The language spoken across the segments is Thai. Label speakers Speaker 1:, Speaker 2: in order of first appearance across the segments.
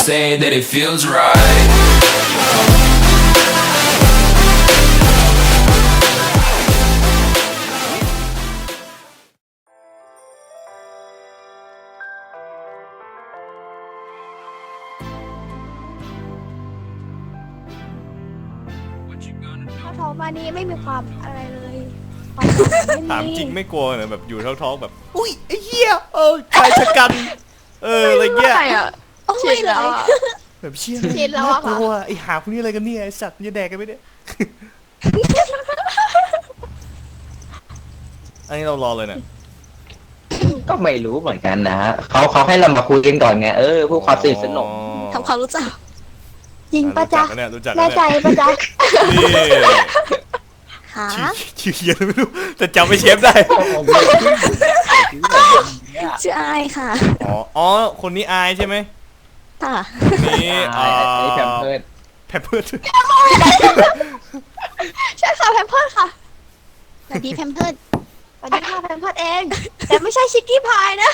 Speaker 1: say that it feels right. What you gonna do?
Speaker 2: ท้องมานี้ไม่มีความอะไรเลยคว
Speaker 3: ถามจริงไม่กลัวเหรอแบบอยู่ท้องๆแบบอุ้ยไอ้เหี้ยชายชะกันอะไรเงี้ย
Speaker 4: ใช่อ่ะ
Speaker 2: โอ้ยเลย
Speaker 3: แบบเชี่ย
Speaker 2: ชินแล้วอะค่ะ
Speaker 3: กลัวไอ้หาพวกนี้อะไรกันเนี่ยไอ้สัตว์มันจะแดกกันไหมเนี่ยอันนี้เรารอเลยเนี่ย
Speaker 5: ก็ไม่รู้เหมือนกันนะฮะเขาให้เรามาคุยกันก่อนไงเพื่อความสนิทสนม
Speaker 4: ทำความรู้จัก
Speaker 2: จริงปะจ๊ะ
Speaker 3: รู้จัก
Speaker 2: แน่ใจปะจ๊ะ
Speaker 3: นี่
Speaker 4: หา
Speaker 3: ชื่อเฮียไม่รู้แต่จำไม่เชฟได้
Speaker 4: ชื่ออายค่ะ
Speaker 3: อ๋อคนนี้อายใช่ไหม
Speaker 4: ค่ะ
Speaker 3: นี่
Speaker 5: ไอ้แพมเพิร์ด
Speaker 3: แพมเพิร์ด
Speaker 2: ใช่ค่ะแพมเพิร์ดค่ะ
Speaker 4: สวัสดีแพมเพิร์ด
Speaker 2: สวัสดีค่ะแพมเพิร์ดเอง แต่ไม่ใช่ชิคกี้พายนะ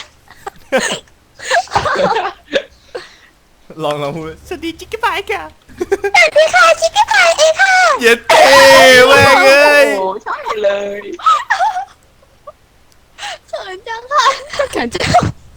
Speaker 3: ลองพูดสวัสดีจิ๊กกี้พายค่ะ
Speaker 2: สวัสดีค่ะชิคกี้พายเองค่ะ
Speaker 3: เย็ดเท่แม่งเอ้ย
Speaker 5: โอ้ใช่เลย
Speaker 2: เขินจังค่ะ
Speaker 4: กันจะ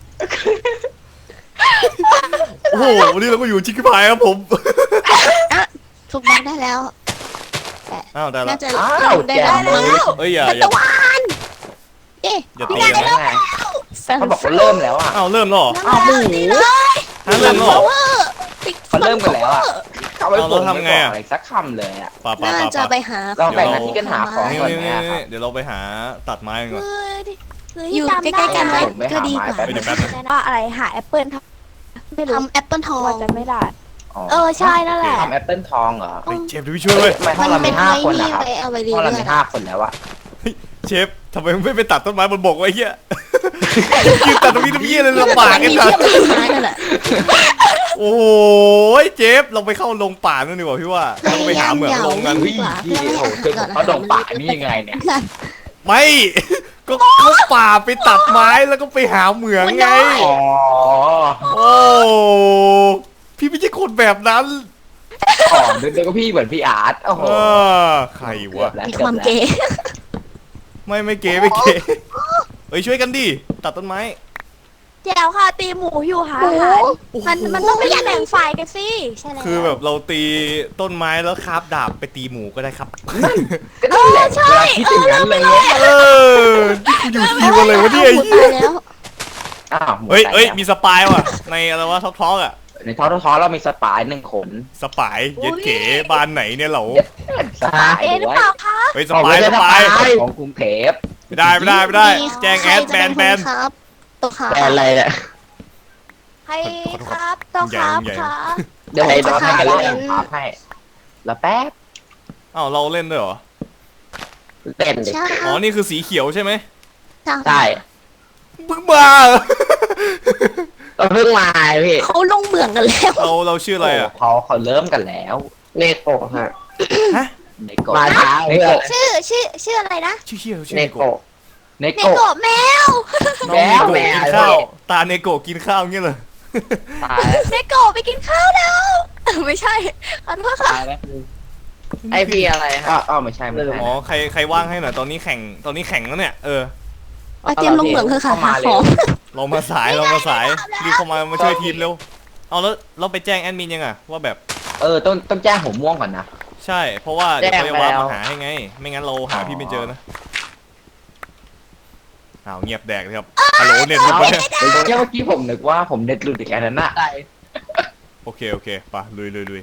Speaker 3: โอ้โหวันนี้เราก็อยู่จิ๊กกี้พายครับผม
Speaker 4: ถูกบ้านได้แล้ว
Speaker 3: อ้าวได้ละ
Speaker 4: น่าจะ
Speaker 5: อ้าว
Speaker 4: ได้
Speaker 5: แจ
Speaker 4: แล้ว
Speaker 5: มเลย
Speaker 3: เอ้ยอย่า
Speaker 4: ตะวันเอ๊ะ
Speaker 3: อย่า
Speaker 5: เอา
Speaker 3: ตี
Speaker 5: แล้ว
Speaker 3: นะ
Speaker 5: ไง
Speaker 4: แฟน
Speaker 5: เขาบอกว่าเริ่มแล้วอ่ะ
Speaker 3: อ้าวเริ่มแล้วเหรอ
Speaker 5: อ้าวหมู
Speaker 3: ฮะเริ่มแล้วเหรอ
Speaker 5: เขาเริ่มกันแล้วอ่ะเขาไม่
Speaker 3: เอา
Speaker 5: บ
Speaker 3: เรา
Speaker 5: อก
Speaker 3: ทำไงอะ
Speaker 5: อะไรสักคำเลยอ่ะ
Speaker 3: ป่า
Speaker 4: น่าจะไปหา
Speaker 5: เราแบ่งหน้าที่กันหาของ
Speaker 3: นี่
Speaker 5: ก่อน
Speaker 3: นี่
Speaker 5: ไหม
Speaker 3: นี่
Speaker 5: อะครับ
Speaker 3: เดี๋ยวเราไปหาตัดไม้กันก่อน
Speaker 4: อยู่ใกล้ๆกันไหม
Speaker 5: ผมไปหา
Speaker 4: ก็ดีกว่า
Speaker 5: ไม้แป๊บ
Speaker 3: เดี๋ยวแป๊บนึง
Speaker 2: ว่าอะไรหาแอปเปิลไม่รู้
Speaker 4: ทำแอปเปิลทอง
Speaker 2: ว่าจะไม่ได้
Speaker 5: อ๋อ
Speaker 2: ใช่นั่นแหละ
Speaker 5: ทำแอปเปิลทองเหรอ
Speaker 3: เฮ้ยเชฟเดี๋ยวพี่ช่วยเว้ย
Speaker 5: ทำไมห้องเรามี5 คนนะครับ
Speaker 4: ไว้เอาไว้เรีย
Speaker 5: ห้องเรา
Speaker 4: น
Speaker 5: มี5 คนแล้วอ่ะ
Speaker 3: เชฟทำไมไม่ไปตัดต้นไม้บนบกไว้เหี้ยยืนตัดตรงนี้ตรงนี้เลยลำบากกัน
Speaker 4: มี
Speaker 3: จั
Speaker 4: เทีย
Speaker 3: ง
Speaker 4: บกับต้นไม้นั่นแหละ
Speaker 3: โอ้ยเจฟเราไปเข้าลงป่านั่นดีกว่าพี่ว่าเราไปหาเหมืองลงกัน
Speaker 4: ดีกว่า
Speaker 5: พี่โอ้โหเจอเขาดงป่านี่ยังไงเนี่ย
Speaker 3: ไม่ก็เข้าป่าไปตัดไม้แล้วก็ไปหาเหมืองไง
Speaker 5: อ๋อ
Speaker 3: โอ้พี่ไม่ใช่คนแบบนั้น
Speaker 5: อ๋อเดี๋ยวก็พี่เหมือนพี่อาร์ตโอ้โห
Speaker 3: ใคร
Speaker 5: เกือ
Speaker 3: วะ
Speaker 5: บแล้ว
Speaker 4: มีความเก๋
Speaker 3: ไม่เก๋ไม่เก๋เฮ้ยช่วยกันดิตัดต้นไม้
Speaker 2: แจวค่ะตีหมูอยู่ค่ะ
Speaker 4: โอ้โห
Speaker 2: มันต้องไม่แบ่งฝ่ายกันสิใช่แล้ว
Speaker 3: คือแบบเราตีต้นไม้แล้วคาบดาบไปตีหมูก็ได้ครับ
Speaker 5: ก็นั่นแหละเวลาคิดอย่างนั้นเลย
Speaker 3: เออนี่กูอยู่ทีมอะไรวะเนี่ยไอ้
Speaker 4: หมู
Speaker 3: เหี้
Speaker 4: ตาย ยแล้ว
Speaker 5: อ้าวหมู
Speaker 3: เฮ้ย
Speaker 5: ตา
Speaker 3: เฮ้ย
Speaker 5: แล้ว
Speaker 3: มีสปายว่ะในอะไรวะท็อกอ่ะ
Speaker 5: ในท้อเรามีสปาย1 ขน
Speaker 3: สปายเย็ดเก๋บ้านไหนเนี่ยเหรอ
Speaker 5: สปาย
Speaker 2: หรือ
Speaker 5: ด้วย
Speaker 2: เปล่าคะ
Speaker 3: เฮ้ยส
Speaker 5: อ๋อ
Speaker 3: ปาย
Speaker 5: ไม่
Speaker 3: ส
Speaker 5: ใช่
Speaker 3: ปาย
Speaker 5: ของกรุงเทพ
Speaker 3: ไม่ได้แจ้งแอดแบน
Speaker 4: ครับตัวขา
Speaker 5: แบรนด์อะไรเนี่ย
Speaker 2: ใครครับต้องครับค่ะ
Speaker 5: เดี๋ยวผมจะให้กันเล่นครับให้แล้วแป๊บ
Speaker 3: อ้าวเราเล่นด้วยเหรอ
Speaker 5: เล่นดิ
Speaker 4: ใช่
Speaker 3: อ๋อนี่คือสีเขียวใช่ไหม
Speaker 5: ใช่
Speaker 3: มึงมาเหรอ
Speaker 5: ก็เพิ่งมาพี่
Speaker 4: เขาลงเหมืองกันแล้ว
Speaker 3: เราชื่ออะไรอ่ะ
Speaker 5: เขาเริ่มกันแล้วเนโกะฮะ
Speaker 3: ฮะ
Speaker 5: เนโกะมาช้าเนโกะ
Speaker 2: ชื่ออะไรนะ
Speaker 3: ชื่อเฮียชื่อ
Speaker 5: เน
Speaker 3: เนโกะ
Speaker 5: โกะเน
Speaker 2: เน
Speaker 5: โกะ
Speaker 2: โกะแมว
Speaker 3: น้องเนโกะ
Speaker 5: แมว
Speaker 3: กินข้าวตาเนโกะกินข้าวเงี้ยเหรอ
Speaker 5: ตายแล้ว
Speaker 2: เนโกะไปกินข้าวแล้วไม่ใช่ขอโทษค่ะ
Speaker 5: ตายแล้วไอพี่อะไรฮะอ๋อไม่ใช่ไม่ใช่
Speaker 3: อ๋อใครว่างให้หน่อยตอนนี้แข่งแล้วเนี่ย
Speaker 4: มาเตรียมลงเหมืองเถอะค่ะหาของ
Speaker 3: เรามาสายรีบเข้ามาช่วยทีมเร็วเอาแล้วเราไปแจ้งแอดมินยังอ่ะว่าแบบ
Speaker 5: ต้องแจ้งหัวม่วงก่อนนะ
Speaker 3: ใช่เพราะว่าเดี๋ยวเขาจะ
Speaker 5: แจ้งไป
Speaker 3: ว่า
Speaker 5: แล้ว
Speaker 3: มาหาให้ไง ไม่งั้นเราหาพี่ไม่เจอนะอ้าวเงียบแดกเลยครับฮัลโหลเน็ตหลุด
Speaker 5: เ
Speaker 3: ปะเนี่ย
Speaker 5: มื่อกี้ผมนึกว่าผมเน็ตหลุดอีกอันนั้นน่ะ
Speaker 3: โอเคไปลุย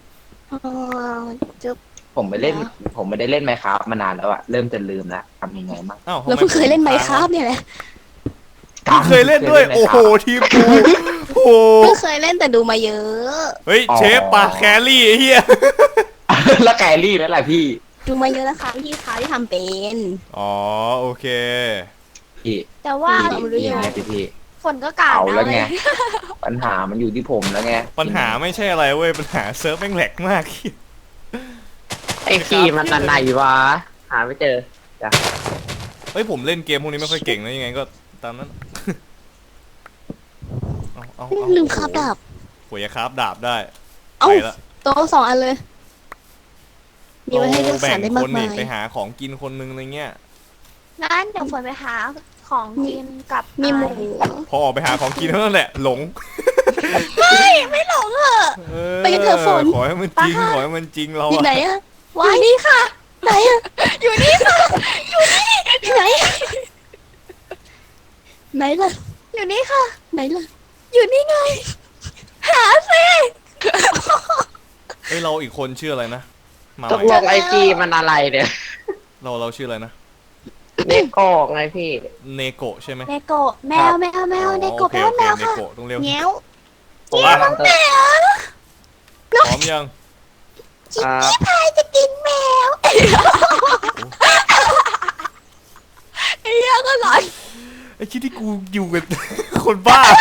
Speaker 4: จุ๊บ
Speaker 5: ผมไม่ได้เล่นไมค์ครับมานานแล้วอะเริ่มจะลืมแล้วทำยังไงบ้าง
Speaker 3: อ้าว
Speaker 4: เราเพิ่งเคยเล่นไมค์ครับเนี่ยแหละ
Speaker 3: เพิ่งเคยเล่นด้วยโอ้โหทีมกูโอ้โห
Speaker 4: เพิ่งเคยเล่นแต่ดูมาเยอะ
Speaker 3: เฮ้ยเชฟปะแครี่ไอ้เหี้ย
Speaker 5: แล้วแกรี่นั่นแหละพี่
Speaker 4: ดูมาเยอะนะคะพี่คะที่ทำเป็น
Speaker 3: อ๋อโอเค
Speaker 5: พี่
Speaker 2: แต่ว่า
Speaker 5: พี่ยังไงพี่
Speaker 2: ฝนก็กาด
Speaker 5: เอา
Speaker 2: นะ
Speaker 5: แล้วไง
Speaker 2: เลย
Speaker 5: ปัญหามันอยู่ที่ผมแล้วไง
Speaker 3: ปัญหาไม่ใช่อะไรเว้ยปัญหาเซิร์ฟแม่งแหลกมาก
Speaker 5: ไอ้พี่มันไหนวะหาไม่เจอ
Speaker 3: เฮ้ยผมเล่นเกมพวกนี้ไม่ค่อยเก่งนะยังไงก็ตามนั้นเอา
Speaker 4: ลืมคาบดาบ
Speaker 3: กว่าจะคราฟดาบได้
Speaker 4: เอ้า
Speaker 3: ไปละ
Speaker 4: โต๊ะ2 อันเลย มีไว้ให้เลือกสรรได้มาก
Speaker 3: คน
Speaker 4: มา
Speaker 3: นี่
Speaker 4: ย
Speaker 3: ไปหาของกินคนนึงอะไรเงี้ย
Speaker 2: งั้นเดี๋ยวฝนไปหาของกินกับ
Speaker 4: มีหมู
Speaker 3: พอออกไปหาของกินเท่านั้นแหละหลง
Speaker 2: ไม่หลงเหรอ
Speaker 4: ไปกันเถอะฝน
Speaker 3: ขอให้มันจริงขอให้มันจริงเรา
Speaker 4: อยู่
Speaker 3: อะ
Speaker 4: ไหนอะ
Speaker 2: ว้ายนี่ค่ะ
Speaker 4: ไหนอะ
Speaker 2: อยู่นี่ค่ะ
Speaker 4: ไหนไหนล่ะ
Speaker 2: อยู่นี่ค่ะ
Speaker 4: ไหนล่ะ
Speaker 2: อยู่นี่ไง หาสิ
Speaker 3: เอ้ยเราอีกคนชื่ออะไรนะมา
Speaker 6: ตก
Speaker 3: ให
Speaker 6: ล
Speaker 3: ม่
Speaker 6: งไอจีมันอะไรเนี่ย
Speaker 3: เราชื่ออะไรนะ
Speaker 6: เนโก้ไงพี่
Speaker 3: เนโกะใช่ไหม
Speaker 2: เนโกะแมวแมวแมวเนโกะ
Speaker 3: โอ
Speaker 2: แป
Speaker 3: เค
Speaker 2: ลว่าแมว
Speaker 3: เน
Speaker 2: ค่ะ
Speaker 3: โกะต้องเรียก
Speaker 4: แง้ว
Speaker 3: ผมว่า
Speaker 2: แมว
Speaker 3: พร้อมยัง
Speaker 2: พี่พายจะกินแมวไอ้เหี้ยก็หลอน
Speaker 3: ไอ้คิดที่กูอยู่กับ คนบ้า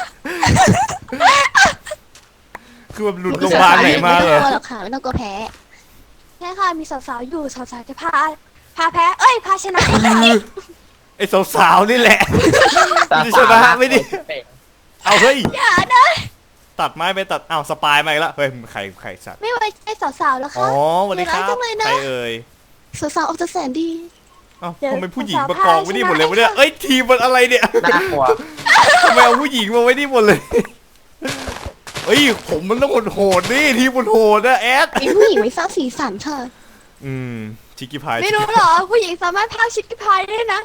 Speaker 3: คือแบบหลุดโรงพยาบาลไหนมาเหรอ
Speaker 4: ไม่ต้องกลัวหรอกค่ะไม่ต้องกลัวแพ้
Speaker 2: ใช่ค่ะมีสาวๆอยู่สาวๆจะพาแพ้เอ้ยพาชนะ
Speaker 3: ไอ้สาวๆนี่แหละ ไม่ใช่ปะไม่ดิ เอาเฮ้ย
Speaker 2: อย่านะ
Speaker 3: ตัดไม้ไปตัดอ้าวสปายมาอีกแล้วเฮ้ยใครสัตว์
Speaker 2: ไม่ไว้ใจสาวๆแล้ว
Speaker 3: อ๋
Speaker 2: ค่ะ
Speaker 3: อสวัสดีครับ
Speaker 2: ใจร้ายจังเลยนะ
Speaker 3: ใครเอ่ย
Speaker 4: สาวๆออกจะแสนดี
Speaker 3: เอ้า
Speaker 2: เดี๋ยว
Speaker 3: ทำไมผู้หญิง
Speaker 2: สาวๆ
Speaker 3: มากองไว้นี่หมดเลยวะเนี่ย
Speaker 2: พาชนะ
Speaker 3: เอ้ยทีมมันอะไรเนี่ย
Speaker 6: น่ากลัว
Speaker 3: ทำไมเอาผู้หญิงมาไว้นี่หมดเลยเอ้ยผมมันต้องโหดๆนี่ทีมมันโหดนะแอด
Speaker 4: มีผู้หญิงไม่สร้างสีสันค่ะ
Speaker 3: ชิคกี้พาย
Speaker 2: ไม่รู้เหรอผู้หญิงสามารถพากชิคกี้พายได้นะ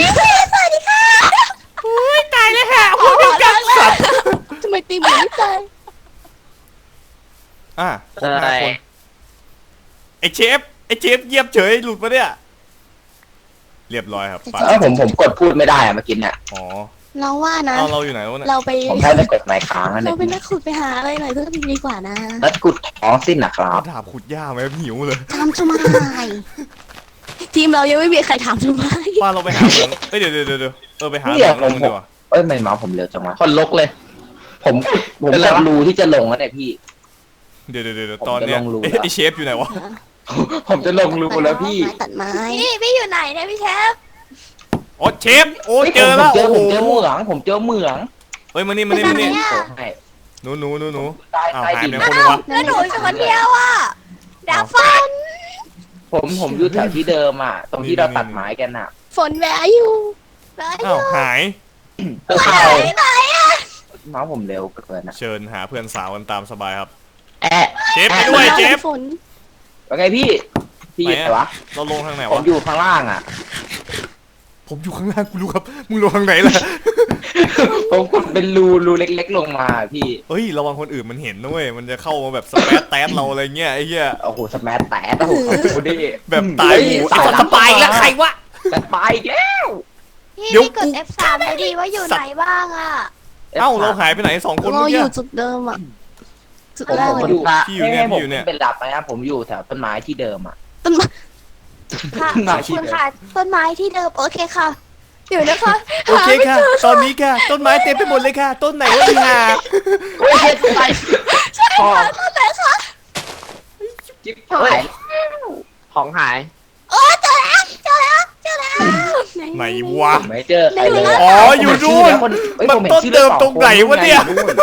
Speaker 3: ตายเลยค่ะพูดเดียวกันสัตว์
Speaker 4: ทำไมตีเหมือนไม่ตาย
Speaker 3: อ่ะ
Speaker 6: อะไร
Speaker 3: ไอเชฟเยียบเฉยหลุดมาเนี่ยเรียบร้อยครับไป
Speaker 5: ผมกดพูดไม่ได้อะเมื่อกี้เนี่ย
Speaker 3: อ๋อ
Speaker 4: เราว่านะ
Speaker 3: เอาเราอยู่ไหนวะเนี่ย
Speaker 4: เราไป
Speaker 5: ผมแค่ได้กดไมค์ค้างนั่นเอ
Speaker 4: เรา
Speaker 5: ง
Speaker 4: เป็นนักขุดไปหาอะไรหน่อยเพื่อดีกว่านะ
Speaker 5: แล้วกุดท้องสิ้นนะครับ
Speaker 3: เอาดาบขุดหญ้าไหมหิวเลย
Speaker 4: ทำทำไมทีมเรายังไม่มีใครถามทำไม
Speaker 3: ป้าเราไปหาเหมืองเอ้ยเดี๋ยวไปหาเหมืองลงดีกว่า
Speaker 5: เอ้ยไม่เมาส์ผมเร็วจังวะคนลกเลย ผมกดรูที่จะลงแล้วเนี่ยพี่
Speaker 3: เดี๋ยวตอนเนี้ย
Speaker 5: ผมจะลงรู
Speaker 3: เอ๊ะ
Speaker 5: แล้ว
Speaker 3: ไอเชฟอยู่ไหนวะ
Speaker 5: ผมจะลงรูแล้วพี่
Speaker 4: ตัดไม้
Speaker 2: พี่อยู่ไหนเนี่ยพี่เชฟ
Speaker 3: อ๋อเชฟโอ้
Speaker 5: ฮ้ย
Speaker 3: เจอแล้ว
Speaker 5: ผม
Speaker 3: โอ้โห
Speaker 5: ผมเจอเหมือง
Speaker 3: เฮ้ยมานี่
Speaker 5: โอ้ให้
Speaker 3: หนู
Speaker 5: ใต้
Speaker 3: อ้าว
Speaker 5: ใต้
Speaker 3: หาย
Speaker 5: ดิ
Speaker 3: ไป
Speaker 5: น
Speaker 3: ไหนคนนึงวะ
Speaker 2: แล้วหนูอยู่คนเดียวอ่ะดาวฟัน
Speaker 5: ผมอยู่แถวที่เดิมอ่ะ ตรงที่เราตัดไม้กันอ่ะ
Speaker 4: ฝนแวะอยู่
Speaker 3: อ้าวหาย
Speaker 5: ก็เข้า
Speaker 2: ไหนอ่ะ
Speaker 5: เมาส์ผมเร็วเกินอ่ะ
Speaker 3: เชิญหาเพื่อนสาวกันตามสบายครับ
Speaker 5: แอะ
Speaker 3: เชฟไปด้วยเชฟ
Speaker 4: ฝน
Speaker 5: ว่าไงพี่อยู่ไหนวะ
Speaker 3: เราลงทางไหน
Speaker 5: ผม
Speaker 3: วะ
Speaker 5: อยู่ข้างล่างอ่ะ
Speaker 3: ผมอยู่ข้างล่างกูรู้ครับมึงลงทางไหนล่ะ
Speaker 5: ผมกดเป็นรูเล็กๆลงมาพี่
Speaker 3: เฮ้ยระวังคนอื่นมันเห็นนะเว้ยมันจะเข้ามาแบบสแปซแตสเราอะไรเงี้ยไอ้เหี้ย
Speaker 5: โอ้โหสแมัตแตะโอ้โหดูดิ
Speaker 3: แบบตายหมูไอ้สัตว์สปายแล้วใครวะ
Speaker 5: สปายอีกแล้ว
Speaker 2: พี่
Speaker 3: เดี๋ยว
Speaker 2: กด F3 ไปดีว่าอยู่ไหนบ้างอ่ะ
Speaker 3: เอ้าเราหายไปไหน2 คน
Speaker 4: เรา
Speaker 3: เมื่อ
Speaker 4: อ
Speaker 3: กี้
Speaker 4: ยู่จุดเดิมอ่ะจุด
Speaker 5: ผม
Speaker 4: แรก
Speaker 5: ผม
Speaker 4: เลย
Speaker 5: อยู่
Speaker 3: พี่อยู่เนี่ย
Speaker 5: ให้ผม
Speaker 3: พี่อยู่เนี่ย
Speaker 5: เป็นหลับไหมครับผมอยู่แถวต้นไม้ที่เดิมอ่ะ
Speaker 4: ต้นไม้
Speaker 2: ค่ะขอบคุณค่ะต้นไม้ที่เดิมโอเคค่ะเดี๋ยวนะคะ
Speaker 3: โอเคค่ะ ตอนนี้ค่ะ ต้นไม้เต็มไปหมดเลยค่ะ ต้นไหนวะอีห่า
Speaker 5: โอ้ยไปพอ
Speaker 2: ต้นไหนคะ
Speaker 5: จิ๊บหาย
Speaker 6: ของหาย
Speaker 2: โอ้เจอแล้ว
Speaker 3: ไหนวะ
Speaker 5: ไม่เจอใครเลย
Speaker 3: อ๋ออยู่นู่นมันต้นเดิมตรงไหนวะเนี่ย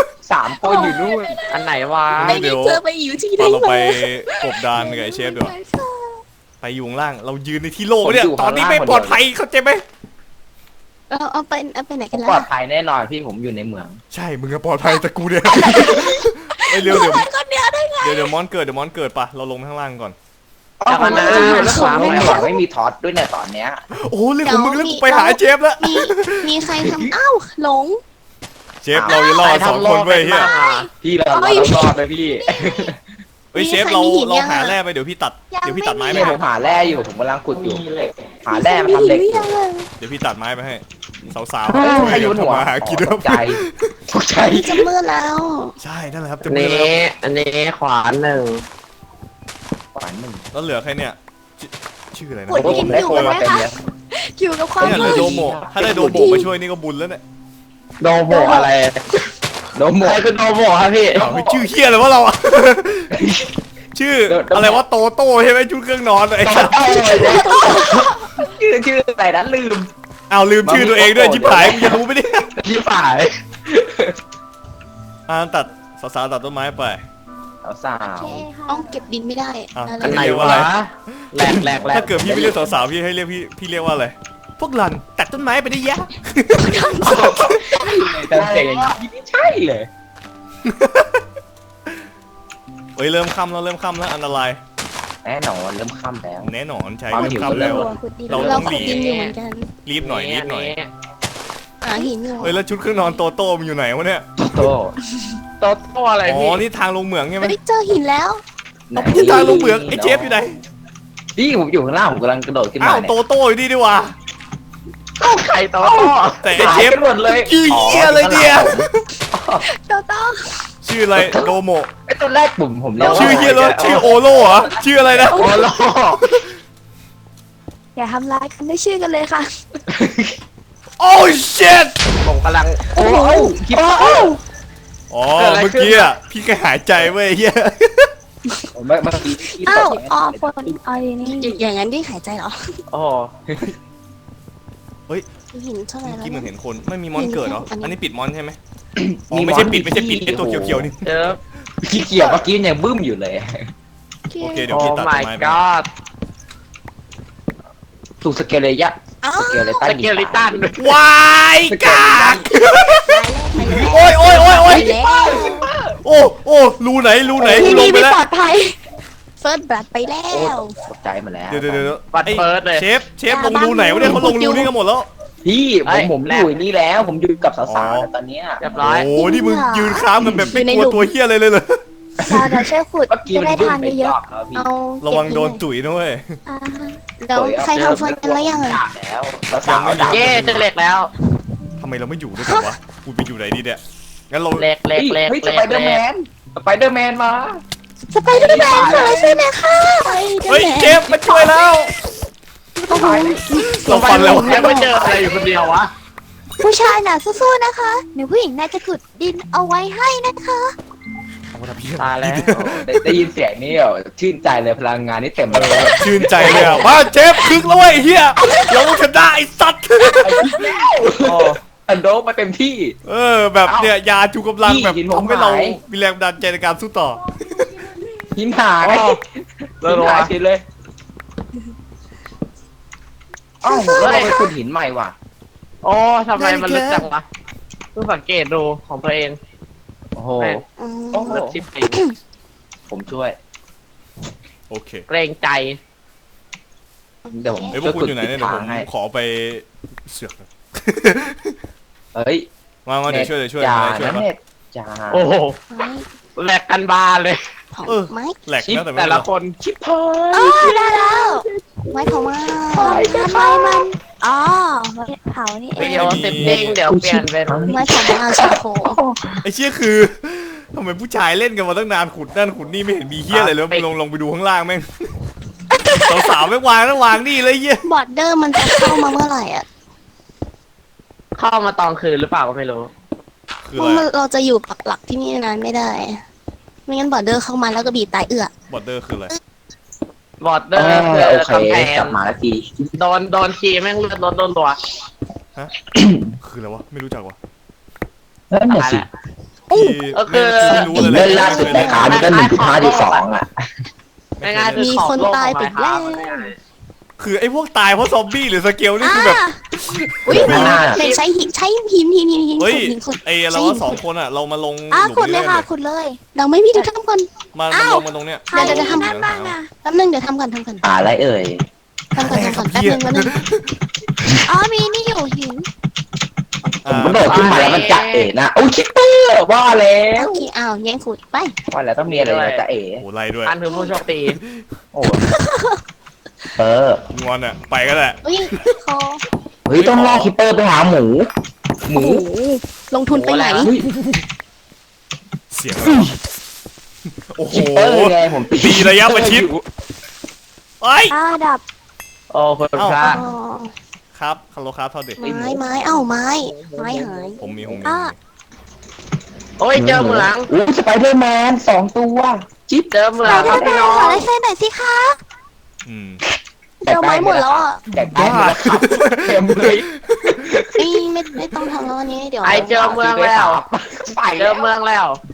Speaker 5: 3 คนอยู่นู่น
Speaker 6: อันไหนวะ
Speaker 4: ไม่ได้เจอไปอยู่ที่ไหน
Speaker 3: เรา
Speaker 4: มา
Speaker 3: ไปกบดานกับไอ้เชฟดีกว่าไปอยู่ข้างล่าง เรายืนในที่โล่งเนี่ย ตอนนี้ไม่ปลอดภัยเข้าใจไหม
Speaker 4: เราเอาไปไหนกัน
Speaker 5: ปล
Speaker 4: ล่ะ
Speaker 5: อดภัยแน่นอนพี่ผมอยู่ในเมือง
Speaker 3: ใช่ มึงอะปลอดภัยแต่กูเนี่ยไอ้เร็วเดี๋ยว
Speaker 2: คนเดียวได้ไง
Speaker 3: เดี๋ยวมอนเกิดปะเราลงไปข้างล่างก่อน
Speaker 6: จากนั้น
Speaker 5: ไม่มีท็อตด้วยเนี่ยตอนเนี้ย
Speaker 3: โอ้เรื่องของมึงแล้วกูไปหาเชฟแล้ว
Speaker 4: มีใครทำอ้าวหลง
Speaker 3: เชฟเราจะรอด2 คนเว้ยเฮีย
Speaker 5: พี่เรารอดเลยพี่
Speaker 3: เฮ้ยเชฟเราหาแร่ไปเดี๋ยวพี่ตัดไม้ไป
Speaker 5: เนี่ยผ
Speaker 3: ให้
Speaker 5: มหาแร่อยู่ผมกำลังขุดอยู่หาแร่มาทำเหล็ก
Speaker 3: เดี๋ยวพี่ตัดไม้ไปให้สาวๆ
Speaker 5: ใคร
Speaker 3: เดี๋
Speaker 5: โย
Speaker 3: ยวน
Speaker 5: หัว
Speaker 3: ทำมาหากิน
Speaker 5: ตกใจตกใจ
Speaker 4: จะมืดแล้ว
Speaker 3: ใช่นั่นแหละครับจะ
Speaker 6: อัน
Speaker 3: มือ
Speaker 6: นี้
Speaker 3: แล้ว
Speaker 6: อันนี้ขวานหนึ่ง
Speaker 5: หวานหนึ่ง
Speaker 3: แล้วเหลือใครเนี่ยชื่ออะไรนะ
Speaker 2: โอ้ย
Speaker 5: ผมได้คนมาเต็มเลย
Speaker 2: อยู่กับความ
Speaker 3: เนี่ยเหลื
Speaker 2: มื
Speaker 3: อ
Speaker 2: ด
Speaker 3: โดโมะถ้าได้โดโมะมาช่วยนี่ก็บุญแล้วเนี่ย
Speaker 6: โดโมอะไร
Speaker 5: โนโม
Speaker 6: ใครคือโดโมครับพี่
Speaker 3: อ้าวเฮ้ยชื่อเฮียเลยวะเราอะ ชื่ออะไรวะโตโต้ใช่ไหมชุดเครื่องนอนไอ้สัส
Speaker 5: ชื่อแต่นั้นลืม
Speaker 3: อ้าวลืมชื่อตัวเองด้วยชิบหายมึงจะรู้ไหมเนี่ย
Speaker 5: ที่ฝ่าย
Speaker 3: ตัดสาวๆตัดต้นไม้ไป
Speaker 5: สา
Speaker 2: โอ
Speaker 5: ว
Speaker 2: เคค่ะ
Speaker 4: ต้องเก็บดินไม่ได้
Speaker 3: อ่ะ
Speaker 4: อะไร
Speaker 6: อันไหน
Speaker 3: เรียกว่าอะไร
Speaker 6: วะแหลกแหลกแหลก
Speaker 3: ถ้าเกิดพี่ไม่เรียกสาวๆพี่ให้เรียกพี่เรียกว่าอะไรพวกหล่อนตัดต้นไม้ไปได้ยะ
Speaker 5: แต่เสียงอย่างนี้ไม่ใช่เลย
Speaker 3: เฮ้ยเริ่มค่ำแล้วอันตราย
Speaker 5: แน่นอนเริ่มค่ำแล้ว
Speaker 3: แน่นอนใช่
Speaker 5: ความ
Speaker 3: เริ่ม
Speaker 5: หิว
Speaker 3: ค่ำแล้ว
Speaker 2: ตัวขุดดิน
Speaker 3: เรา
Speaker 4: เราขุดดินอยู่เหมือนกัน
Speaker 3: รีบหน่อย
Speaker 4: หาหินอยู่
Speaker 3: เฮ้ยแล้วชุดเครื่องนอนโตโต้มันอยู่ไหนวะเนี่ย
Speaker 5: โต
Speaker 6: โต๊ะโต๊ะอะไร
Speaker 3: อ๋อ
Speaker 6: พี่
Speaker 3: นี่ทางลงเหมืองใช่ไหม
Speaker 4: เฮ้ยเจอหินแล้ว
Speaker 3: นี่ทางลงเหมืองไอ้เจฟอยู่ไหน
Speaker 5: พี่ผมอยู่ข้างล่างผมกำลังกระโดดขึ้น
Speaker 3: อ้า
Speaker 5: มาว
Speaker 3: โต
Speaker 5: เนี่ย
Speaker 3: โต้อยู่นี่ดีกว่า
Speaker 6: ไข่โต๊ะโต๊ะ
Speaker 3: แต่ไอ้
Speaker 5: หาย
Speaker 3: เจฟ
Speaker 5: กันหมดเลย
Speaker 3: ชื่อเหี้ยอะไรเนี่ย
Speaker 4: โตโต้
Speaker 3: ชื่ออะไรโดโม
Speaker 5: ไอ้ตัวแรกผมเรียกว่า
Speaker 3: ชื่อเฮียรถชื่อโอโล่เหรอชื่ออะไรนะ
Speaker 5: โอโล
Speaker 2: อย่าทำร้ายกันด้วยชื่อกันเลยค่ะ
Speaker 3: โอ้เชิต
Speaker 6: ผมกำลัง
Speaker 5: โอ้โหคิดว่า
Speaker 3: อ๋อเมื่อกี้อ่ะพี่แค่หายใจเว้ยเฮีย
Speaker 5: เมื่อกี้ที่
Speaker 2: อ้าว
Speaker 5: ตก
Speaker 2: อ๋อคนเอาอย่างนี้
Speaker 4: อย่างนั้นพี่หายใจเหรอ
Speaker 6: โอ้โห
Speaker 4: หินเท่าไหร่
Speaker 3: เมื่อ
Speaker 4: แล้ว
Speaker 3: กี้เหมือน
Speaker 4: เนี่ย
Speaker 3: เห็นคนไม่มีมอนเกิดเหรอ
Speaker 4: อันนี้
Speaker 3: อันนี้ปิดมอนใช่ไหมอ๋อไม่ใช่ปิดไอ้ตัวเขียวๆนี่
Speaker 6: เจอ
Speaker 5: ขี้เกียจเมื่อกี้ยังบึ้มอยู่เลย
Speaker 3: โอเคเดี๋ยว
Speaker 6: โอ้
Speaker 3: พี่ตัดต้น
Speaker 6: my
Speaker 3: ไม้ไป
Speaker 6: god
Speaker 5: ถูกสเกลเลยยะ
Speaker 4: อ้าว
Speaker 5: สเกลเลยตัน
Speaker 6: สเกลิตัน
Speaker 3: วายกากโอ้ย
Speaker 4: ไปแล้ว
Speaker 3: โอ้รูไหนกู
Speaker 4: ที่
Speaker 3: ล
Speaker 4: นี่
Speaker 3: งไป
Speaker 4: ไม่
Speaker 3: แล้ว
Speaker 4: ปลอดภัยเฟิร์สบลัดไปแล้
Speaker 5: โอ้
Speaker 4: ว
Speaker 5: ตกใจหมาแล้ว
Speaker 3: เดี๋ยว
Speaker 6: บัตรเฟิร์สเลย
Speaker 3: เชฟลงรูไหนวะเนี่ยเขาลงรูนี่กันหมดแล้ว
Speaker 5: พี่
Speaker 6: เอ้ย
Speaker 5: ผม
Speaker 6: แร
Speaker 5: อก ยู่นี่แล้ว ผมอยู่กับสาวๆแล้วตอนเนี้ย
Speaker 6: เรียบร้อย
Speaker 3: โอ้นี่มึงยืนค้ามกันแบบไม่กลัวตัวเฮียอะไรเลยเหรอ
Speaker 2: เดี๋ยวช่วยขุด
Speaker 5: เมื่อกี้
Speaker 2: จะ
Speaker 5: มัน
Speaker 2: ได้
Speaker 5: บึ้ม
Speaker 2: ทาน
Speaker 5: ไป
Speaker 2: เย
Speaker 5: ร
Speaker 2: อะ
Speaker 5: อบแล้ว
Speaker 2: ๆ
Speaker 5: พี่
Speaker 2: เอา
Speaker 3: ระวังโดนตุ๋ยนะเว้ย
Speaker 2: อ่า
Speaker 4: เดี๋ยวใครทำเฟิร์สกันแล้วยังไง
Speaker 5: ด่าแล้วสาวๆด่า
Speaker 6: เย้เจอเหล็กแล้ว
Speaker 3: ทำไมเราไม่อยู่ด้วยกันวะกูไปอยู่ไหนดีเนี่ยงั้นเรา
Speaker 6: เหล็กเหล็กเหล็ก
Speaker 5: เฮ้ย
Speaker 6: เห
Speaker 5: ส
Speaker 6: ล็ก
Speaker 5: ไปเดอร์แมนสไปเดอร์แมนมา
Speaker 2: สไปเดอร์แมนค่ะใช่ไหมคะ
Speaker 3: เฮ้ยเจฟมาช่วยแล้ว
Speaker 2: โอ้โห
Speaker 3: เราฟันแล้ว
Speaker 6: ยังไม่เจออะไรอยู่คนเดียววะ
Speaker 2: ผู้ชายน่ะสู้ๆนะคะเดี๋ยวผู้หญิงน่าจะขุดดินเอาไว้ให้นะคะ
Speaker 6: ตายแล้ว
Speaker 5: ได้ยินเสียงนี่ชื่นใจเลยพลังงานนี่เต็มเลย
Speaker 3: ชื่นใจเลยอ่ะมาเจฟคึกแล้วเว้ยเฮียเราชนะไอ้สัตว์
Speaker 5: โอ้อันโดมาเต็มที่
Speaker 3: แบบเนี่ยยาชูกำลังแบบ
Speaker 5: พี่หินผม
Speaker 3: ทำให้เรา
Speaker 5: หาย
Speaker 3: มีแรงบันดาลใจในการสู้ต่อ
Speaker 5: หินหาย
Speaker 6: โอ้
Speaker 5: หินหายเฉยเลยอ้าวแล้วเราไปขุดหินใหม่ว่ะ
Speaker 6: โอ้ทำไมมันลึกจังวะเพิ่งสังเกตดูของตัวเอง
Speaker 5: โอ้โห
Speaker 6: แม่
Speaker 4: อืม
Speaker 5: โอ้โห
Speaker 6: ลึกชิบปี
Speaker 5: ผมช่วย
Speaker 3: โอเค
Speaker 6: เกรงใจ
Speaker 5: เดี๋ยวผม
Speaker 3: เฮ้ยพวกคุณอยู่ไหนเนี่ยเดี๋ยวผม
Speaker 5: ให้
Speaker 3: ขอไปเสือก
Speaker 5: เฮ้ย
Speaker 3: มาเดี๋ยวช่วย
Speaker 5: จ่า
Speaker 3: ช่วย
Speaker 5: นะ
Speaker 3: มา
Speaker 5: เน็ตจ่า
Speaker 6: โอ้โห
Speaker 4: ไม้
Speaker 6: แหลกกันบานเลย
Speaker 4: เผา
Speaker 3: เออ
Speaker 4: ไม้
Speaker 3: แหลก
Speaker 6: ชิป
Speaker 3: นะแต่ไม่
Speaker 6: แต่
Speaker 3: เป็น
Speaker 6: ละ
Speaker 3: ไร
Speaker 6: คน
Speaker 5: ชิบพาย
Speaker 2: อ๋อได้แล้ว
Speaker 4: ไม้เผาไม้
Speaker 2: ทำไมมันอ๋อไว้เผานี่เอ
Speaker 6: เดี๋ยว
Speaker 2: ง
Speaker 6: เต็มเด้งเดี๋ยวเปลี่ยนเป็น
Speaker 4: ไม้เผาไม้เอาชาโค
Speaker 3: ไอ้เชี่ยคือทำไมผู้ชายเล่นกันมาตั้งนานขุดนั่นขุดนี่ไม่เห็นมีเฮียอะไรเลยลงไปดูข้างล่างแม่งสาวๆไม่วางนะวางนี่เลยเฮีย
Speaker 4: บอร์ดเดอร์มันจะเข้ามาเมื่อไหร่อ่ะ
Speaker 6: เข้ามาตอนคืนหรือเปล่าก็ไม่รู้
Speaker 3: คือ
Speaker 4: เพ
Speaker 3: อะ
Speaker 4: ราะ
Speaker 3: ไร
Speaker 4: เราจะอยู่ปักหลักที่นี่นานไม่ได้ ไม่งั้นบอร์ดเดอร์เข้ามาแล้วก็บีบตายเอื้อบ
Speaker 3: อร์เดอร์คืออะไร
Speaker 6: บอร์ดเดอร์คือ
Speaker 5: โอเค
Speaker 6: กำแพง
Speaker 5: กลับมาแล้วที
Speaker 6: โดนคีย์แม่งเลือดลดโดนตัว
Speaker 3: คืออะไรวะไม่รู้จักวะ
Speaker 5: นั่นน่ะ
Speaker 6: ตาย
Speaker 5: สิ
Speaker 6: แล้ว
Speaker 3: ที่
Speaker 6: ก็คือ
Speaker 3: ไม่รู้อะไร
Speaker 5: เล่นล่าสุดในขานี่ก็1.5.2อ่ะ
Speaker 6: ง่ายๆคือ
Speaker 4: มี
Speaker 6: ของ
Speaker 4: คน
Speaker 6: โลก
Speaker 4: ตาย
Speaker 6: ของ
Speaker 4: ไป
Speaker 6: ไม้
Speaker 4: แล้
Speaker 6: ค้าว
Speaker 3: คือไอ้พวกตายเพราะซอมบี้หรือสเกลนี่คือแบบ
Speaker 4: อุ้ย
Speaker 5: ไม่น่า
Speaker 4: เดี๋ยวใช้หิน
Speaker 3: เฮ้ย
Speaker 4: ขุด
Speaker 3: ไอ้เราว่า2 คนอ่ะเรามาลง
Speaker 2: อ่ะ
Speaker 3: หลุ
Speaker 2: ขุด
Speaker 3: ม
Speaker 2: เล
Speaker 3: นี้
Speaker 2: ย
Speaker 3: ได้
Speaker 2: ค่ะ
Speaker 3: เลย
Speaker 2: ขุดเลย
Speaker 4: เราไม่มีทุกท่านคน
Speaker 3: มาลงมาตรงเนี้ย
Speaker 2: ใคร
Speaker 4: เดี๋ยวจะทำ
Speaker 2: นั่นบ้างอ่ะ
Speaker 4: แป๊บนึงเดี๋ยวทำก่อน
Speaker 5: อะไรเอ่ย
Speaker 4: แป๊บนึงแป๊บนึง
Speaker 2: อ๋อมีนี่อยู่หิน
Speaker 5: ผมก็โดดขึ้นมาแล้วมันจะเอ๋นะโอ้ยคิปเปอร์ว่าแล้ว
Speaker 4: โอเคอ้าวแย่งขุดไป
Speaker 5: ว่าแล้วต้องมีอะไรนะจะเอ๋
Speaker 3: โอ้ไล่ด้วย
Speaker 6: อันคือผู้โชคดี
Speaker 5: โอ้เออง
Speaker 3: อนอ่ะไปก็ได้
Speaker 4: อุ้ยคอ
Speaker 5: เฮ้ยต้องล่อคิปเปอร์ไปหาหมู หมู
Speaker 4: โอ้โหลงทุนไปไหน
Speaker 5: เฮ้ย
Speaker 3: เสียงอะไรวะโอ้โห
Speaker 5: คิปเปอร์ไงผม
Speaker 3: ตีระยะประชิดเอ้ย
Speaker 2: ดับ
Speaker 6: โอ้คุณพระ
Speaker 4: อ๋อ
Speaker 3: ครับฮัลโหลครับเท่าเด็ก
Speaker 4: ไม้เอ้าไม้หาย
Speaker 3: ผมมี
Speaker 2: อ่ะ
Speaker 6: โอ้ยเจอเหมือง
Speaker 5: อู้สไปเดอร์แมน2 ตัวจิ๊บ
Speaker 6: เจอเหมือง
Speaker 2: ได้ได้ขอลายเส้นหน่อยสิคะ
Speaker 3: อืม
Speaker 4: เดี๋ยวไม้หมดแล้วอ่ะ
Speaker 5: แจกได้หมดแล้วครับเต็มเลย
Speaker 4: ไม่ต้องทำแล้ววันนี้เดี๋ยว
Speaker 6: ไอเจอเมืองแล้ว
Speaker 5: ไป
Speaker 6: เจอเมืองแล้ว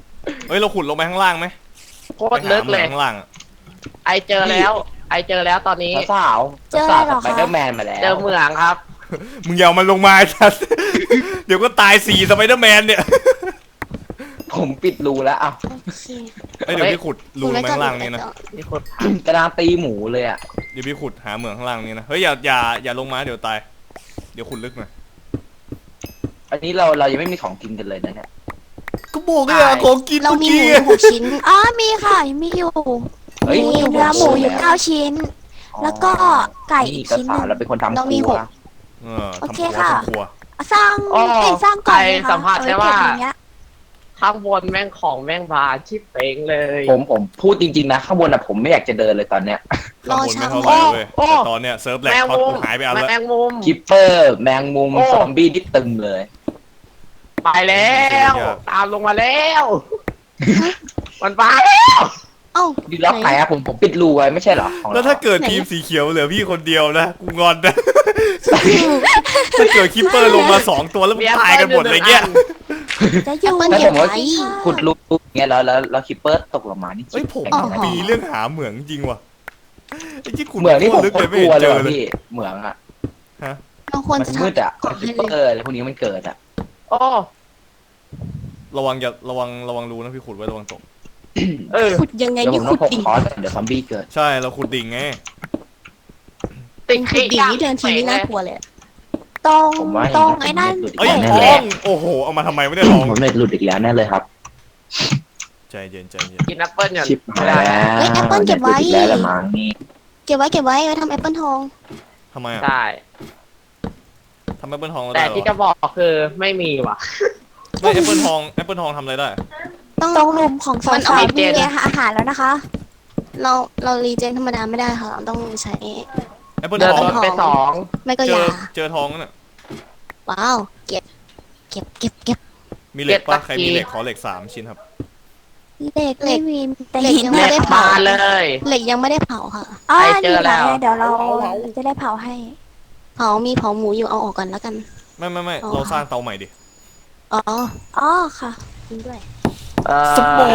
Speaker 3: เฮ้ยเราขุดลงไปข้างล่างไหม
Speaker 6: โคตรลึกเลย
Speaker 3: ไปหาหมืองข้างล่างอะ
Speaker 6: ไอเจอแล้ว ไอเจอแล้วตอนนี้
Speaker 5: สาว
Speaker 2: เจออะไรเหรอ
Speaker 5: สไป
Speaker 2: คะ
Speaker 5: เดอร์แมนมาแล้ว
Speaker 6: เจอเหมืองครับ
Speaker 3: มึงอย่าเอามันลงมาไอ้สัส เดี๋ยวก็ตาย4สไปเดอร์แมนเนี่ย
Speaker 5: ผมปิดรูแล้วอ่ะ
Speaker 4: โอเค
Speaker 3: เอ้ยเดี๋ยวพี่ขุดรูลงไปข้างล่างนี่นะ
Speaker 6: นี่โคตร
Speaker 5: กระดานตีหมูเลยอ่ะ
Speaker 3: เดี๋ยวพี่ขุดหาเหมืองข้างล่างนี่นะเฮ้ยอย่าลงมาเดี๋ยวตายเดี๋ยวขุดลึกหน่อย
Speaker 5: อันนี้เรายังไม่มีของกินกันเลยนะเนี่ย
Speaker 3: ก็บอกเลยอะของกิน
Speaker 4: เรามีหมู
Speaker 3: เมื่อ
Speaker 4: 6 ชิ้น
Speaker 2: อ๋อมีค่ะมีอยู่
Speaker 5: เฮ้ย
Speaker 2: มีเนื้อหมูอยู่9 ชิ้น แล้วก็ไก่อี
Speaker 5: นี่
Speaker 2: ก
Speaker 5: ก็
Speaker 2: ชิ้นห
Speaker 5: สา
Speaker 2: นึ่
Speaker 5: ว
Speaker 2: ง
Speaker 5: เราเป็นคนทำ
Speaker 4: เรามี
Speaker 5: ครัว
Speaker 4: หก
Speaker 2: โอเค
Speaker 3: ทำครัว
Speaker 2: ค่ะ
Speaker 3: ทำครัว
Speaker 2: สร้างสร้างก่อนเลยค่ะ
Speaker 6: สัมผัสได้ว่า
Speaker 2: เอไเก็บอย่างเงี้ย
Speaker 6: ข้างบนแม่งของแม่งบานชิบเป้งเลย
Speaker 5: ผมพูดจริงๆนะข้างบนอ่ะผมไม่อยากจะเดินเลยตอนเนี้ย
Speaker 3: ข้างบนไม่เท่าไหร่เว้ยแต่ตอนเนี้ยเซิร์ฟแหลก
Speaker 6: แมง
Speaker 3: เขา
Speaker 6: มุม
Speaker 3: หายไปอันละ
Speaker 6: แมงมุม
Speaker 5: คิปเปอร์แมงมุม
Speaker 6: โอ้
Speaker 5: ซอมบี้ที่ตึมเลย
Speaker 6: ไปแล้ว ตามลงมาแล้ว มันมาแล้ว
Speaker 4: เอ้า
Speaker 5: ดีล็อกไหนอะผมปิดรูไว้ไม่ใช่เหรอของร
Speaker 3: แล้วถ้าเกิดทีมสีเขียวเหลือพี่คนเดียวนะกูงอนนะ ถ้าเกิดคิปเปอร์ลงมา2ตัวแล้วมันตายกันหมดเลยเงี้ย
Speaker 2: จะอยู่
Speaker 5: ถ้าสมมติว่า
Speaker 2: ไว้
Speaker 5: ขุดรูเงี้ยแล้วคิปเปอร์ตกลงมานี่
Speaker 3: เฮ้ยผม
Speaker 5: แข็งนะ
Speaker 3: มีเรื่องหาเหมืองจริงว่ะไอ้ที่ขุด
Speaker 5: เหมืองนี่ผม
Speaker 3: ลึก
Speaker 5: โค
Speaker 3: เลยไม่
Speaker 5: ตรกลัว
Speaker 3: เห็น
Speaker 5: เล
Speaker 3: เจ
Speaker 5: ย
Speaker 3: อ
Speaker 5: ว่ะ
Speaker 3: เลย
Speaker 5: พี่เหมืองอะ
Speaker 3: ฮะ
Speaker 4: เราควร
Speaker 5: มัน
Speaker 4: จะ
Speaker 5: มืดอะ
Speaker 4: ก่อน
Speaker 5: คิ
Speaker 4: ให้
Speaker 5: ป
Speaker 4: เล
Speaker 5: เปอย ร์อะไรพวกนี้มันเกิดอะ
Speaker 6: โอ้
Speaker 3: ระวังรูนะพี่ขุดไว้ระวังตก
Speaker 6: เออ
Speaker 4: ขุดยังไง
Speaker 5: เดี๋ยวผ
Speaker 4: นี่
Speaker 5: มต้
Speaker 4: ขุ
Speaker 5: องพก
Speaker 4: ดดิ่ง
Speaker 5: คอร์สเดี๋ยวซอมบี้เกิด
Speaker 3: ใช่เราขุดดิ่งไง
Speaker 6: ติด
Speaker 4: ขุดดิ่งนี่เดินทีนี่น่ากลัวเลย
Speaker 2: ตรง
Speaker 5: ผมว่า
Speaker 2: ตรงไอ้นั่น
Speaker 3: เอ้ย
Speaker 5: แน่
Speaker 3: ท
Speaker 5: เล
Speaker 3: อย งโอ้โหเอามาทำไมไม่ได้ทอง
Speaker 5: ผมเน็ตหลุดอีกแล้วแน่เลยครับ
Speaker 3: ใจเย็น
Speaker 6: กินแอปเปิ้ลอย่าง
Speaker 5: ชิปหายแล้ว
Speaker 4: เฮ้ยแอปเปิ้ลเก็บไว้
Speaker 5: น็ตหลุดอีกแล้วละมั้งนี่
Speaker 4: เก็บไว้ไว้ทำแอปเปิลทอง
Speaker 3: ทำไมอ่ะ
Speaker 6: ใช่
Speaker 3: ทำแอปเปิลทองเรา
Speaker 6: แต่
Speaker 3: ได้เหร
Speaker 6: ที่
Speaker 3: อ
Speaker 6: จะบอกคือไม่มีว่ะ
Speaker 3: ไม่แอปเปิลทองทำอะไรได้
Speaker 4: ต้อง
Speaker 2: ตรงหลุมของ
Speaker 4: มัน
Speaker 2: สา
Speaker 4: เอา
Speaker 2: ว
Speaker 6: เจ
Speaker 2: ๆ
Speaker 6: น
Speaker 2: มีอาหารแล้วนะคะ
Speaker 4: เรารีเจนธรรมดาไม่ได้ค่ะเราต้องใช้
Speaker 3: แอปเปิล
Speaker 6: เดิ
Speaker 3: ท
Speaker 6: น
Speaker 3: อง
Speaker 6: รถไปสอง
Speaker 4: ไม่ก็
Speaker 3: เจ
Speaker 4: ยา
Speaker 3: เจอทองนั่นน่ะ
Speaker 4: ว้าวเก็บ
Speaker 3: มีเหล็กปะใครมีเหล็กขอเหล็ก3 ชิ้นครับ
Speaker 2: เด็กไม่มีแต่
Speaker 4: เหล็ก
Speaker 2: หิน
Speaker 4: ยัง
Speaker 6: เล็
Speaker 4: ไม่
Speaker 6: ก
Speaker 4: ได้
Speaker 6: มา
Speaker 4: เผา
Speaker 6: เลย
Speaker 4: เหล็กยังไม่ได้เผาค่ะ
Speaker 2: อ๋อ
Speaker 6: ใครเจอแล้ว
Speaker 2: นี่ไงเดี๋ยวเราจะได้เผาให้
Speaker 4: เผามีเผาหมูอยู่เอาออกก่อนแล้วกัน
Speaker 3: ไม่
Speaker 4: อ๋อ
Speaker 3: เราสร้างเตาใหม่ดิ
Speaker 4: อ๋อ
Speaker 2: อ๋อค่ะ
Speaker 4: จริงด้วย
Speaker 3: สมอง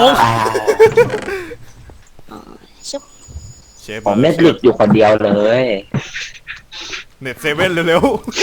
Speaker 4: อ๋อชุบ
Speaker 3: เชฟ
Speaker 5: ผมเน็ตหลุดอยู่คนเดียวเลย
Speaker 3: เน็ตเซเว่นเร็ว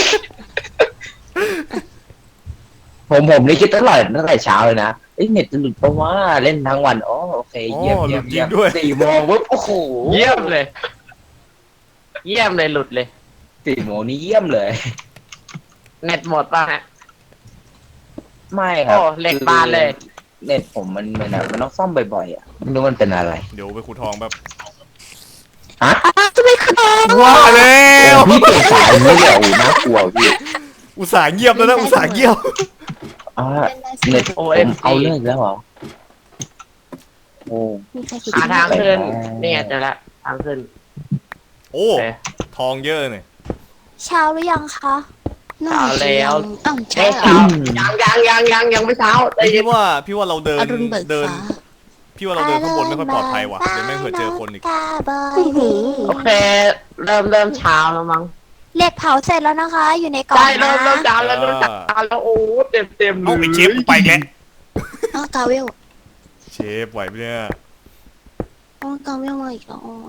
Speaker 5: ผมนี่คิดตั้งแต่เช้าเลยนะเอ้ยเน็ตจะหลุดเพราะว่าเล่นทั้งวันอ๋อโอเค
Speaker 3: ๆอ๋
Speaker 5: เยี่ยม
Speaker 3: อหลุ
Speaker 5: เยี่ย
Speaker 3: ด
Speaker 5: ม
Speaker 3: จริ
Speaker 5: เยี่ย
Speaker 3: ง
Speaker 5: ม
Speaker 3: ด้วย
Speaker 5: 4 โมงปุ๊บโอ้โห
Speaker 6: เยี่ยมเลย เยี่ยมเลยหลุดเลย
Speaker 5: 4 โมงนี่เยี่ยมเลย
Speaker 6: เน็ตหมดป่ะฮะ
Speaker 5: ไม่ครับ
Speaker 6: โอ้เหล็กบานเลย
Speaker 5: เน็ตผมมันต้องซ่อมบ่อยๆอ่ะไม่รู้มันเป็นอะไร
Speaker 3: เดี๋ยวไปขุดทองแบบ
Speaker 5: ฮะ
Speaker 2: จะไม่ขึ้น
Speaker 3: ว่าแล้ว
Speaker 5: พี่เปลี่ยนสายไม่เหรอโอ้น่ากลัวพี่
Speaker 3: อุตส่าห์เงียบแล้วนะอุตส่าห์เงียบ
Speaker 5: อ่าเน็ตผมเอาเรื่องแล้วเหรอโอ้
Speaker 4: มีใครขุด
Speaker 6: หาทางขึ้นเนี่ยเจอละทางขึ้น
Speaker 3: โอ้
Speaker 6: โอเค
Speaker 3: ทองเยอะเนี่ย
Speaker 2: เช้าหรือยังคะ
Speaker 4: น่าจะยังอ้าว
Speaker 6: เช้
Speaker 4: ใช่เหรอ
Speaker 6: ยังไม่เช้าใจเย็น
Speaker 3: พี่ว่าเราเดิน
Speaker 4: อรุณเบิก
Speaker 3: เดิน
Speaker 4: ฟ้า
Speaker 3: พี่ว่าเราเดินข้างบนไม่ค่อยปลอดภัยว่ะเดี๋ยวแม่งเผื่อเจอคนอีก
Speaker 2: กาบอย
Speaker 4: อื้อหือ
Speaker 6: โอเค เริ่มเช้าแล้วมั้ง
Speaker 2: เหล็กเผาเสร็จแล้วนะคะ อยู่ในกล่อง
Speaker 6: ใช่
Speaker 2: นะ
Speaker 6: เริ่มเช้าแล้วเริ่มเช้าแล้วโอ้เต็มเล
Speaker 3: เอา
Speaker 6: ย
Speaker 3: ไอ้เชฟไปแล้ว
Speaker 4: อ้าวกาเวล
Speaker 3: เชฟไหวไหมเนี่ย
Speaker 4: อ๋อกาเวลมาอีกแล้วอ๋อ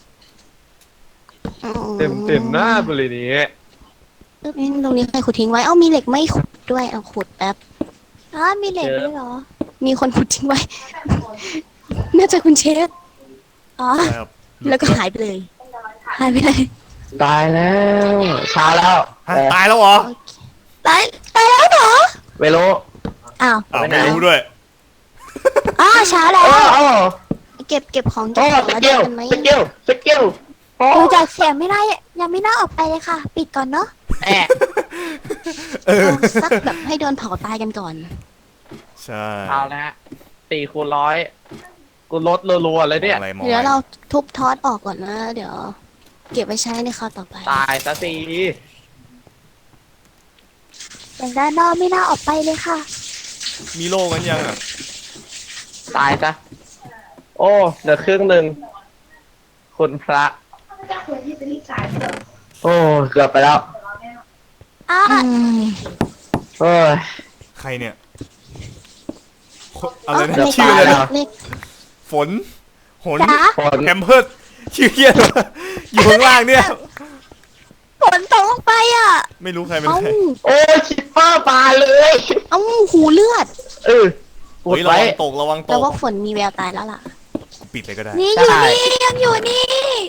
Speaker 6: หน้าไปเลยนี้
Speaker 4: เอ๊ะตรงนี้ใครขุดทิ้งไว้ เอ้ามีเหล็กไม่ขุดด้วยเอาขุดแป๊บ
Speaker 2: อ๋อมีเหล็กด้วยเหรอ
Speaker 4: มีคนขุดทิ้งไว้ น่าจะคุณเชฟ
Speaker 2: อ๋อ
Speaker 3: ใช่ครับ
Speaker 4: แล้วก็หายไปเลย หายไปเลย
Speaker 5: ตายแล้วเช้าแล้ว
Speaker 3: ฮะตายแล้วเหรอ
Speaker 4: โอเค
Speaker 2: ตายแล้วเหรอ
Speaker 5: เวโล
Speaker 4: อ้าว
Speaker 3: อ้าวไม่รู้ด้วย
Speaker 2: อ๋อเช้าแล้ว
Speaker 4: เก็บของ
Speaker 5: โอ้
Speaker 4: เก็บของ
Speaker 5: ส
Speaker 4: แล้ว
Speaker 5: กิ
Speaker 4: เดิ
Speaker 5: ล
Speaker 4: นกันไหม
Speaker 5: สกิล
Speaker 2: ดูจากเสียงไม่ได้ยังไม่น่าออกไปเลยค่ะ ปิดก่อนเนาะ
Speaker 6: แอะ
Speaker 4: เอาสักแบบให้โดนเผาตายกันก่อน
Speaker 3: ใช่
Speaker 6: เอาละ4 คูณ 100 กูลดรัวๆเลยเนี่ย
Speaker 3: อะไรมอง
Speaker 4: เดี๋ยวเราทุบทอดออกก่อนนะ เดี๋ยว เก็บไว้ใช้ในคราวต่อไป
Speaker 6: ตายซะสิ
Speaker 2: อย่างด้านนอกไม่น่าออกไปเลยค่ะ
Speaker 3: มีโล่กันยังอ่ะ
Speaker 6: ตายซะโอ้เหลือครึ่งหนึ่งคุณพระ
Speaker 5: โอ้เกือบไปแล้ว
Speaker 2: อ่ะ
Speaker 4: อืม
Speaker 5: โอ้ย
Speaker 3: ใครเนี่ยอะไรนะ
Speaker 4: เลข
Speaker 3: ชื่ออะไรนะ
Speaker 4: เลข
Speaker 3: ฝนหน
Speaker 2: จ๋า
Speaker 6: ฝน
Speaker 3: แฮมเพิร์ดชื่อเฮียอะไรวะอยู่ข้างล่างเนี่ย
Speaker 2: ฝนตกลงไปอ่ะ
Speaker 3: ไม่รู้ใครเป็น
Speaker 4: เอ้า
Speaker 3: ใคร
Speaker 6: โอ้คิปเปอร์ปลาเลย
Speaker 4: เอ้าหูเลือด
Speaker 6: เออปวด
Speaker 3: เฮ้ยระ
Speaker 6: ไว้
Speaker 3: วังตกระวังต
Speaker 4: แล้ว
Speaker 3: ก
Speaker 4: ว่าฝนมีแววตายแล้วล่ะ
Speaker 3: ปิดเลยก็ได้
Speaker 2: นี่อ
Speaker 6: ใช่
Speaker 2: ยู่นี่ยังอยู่นี่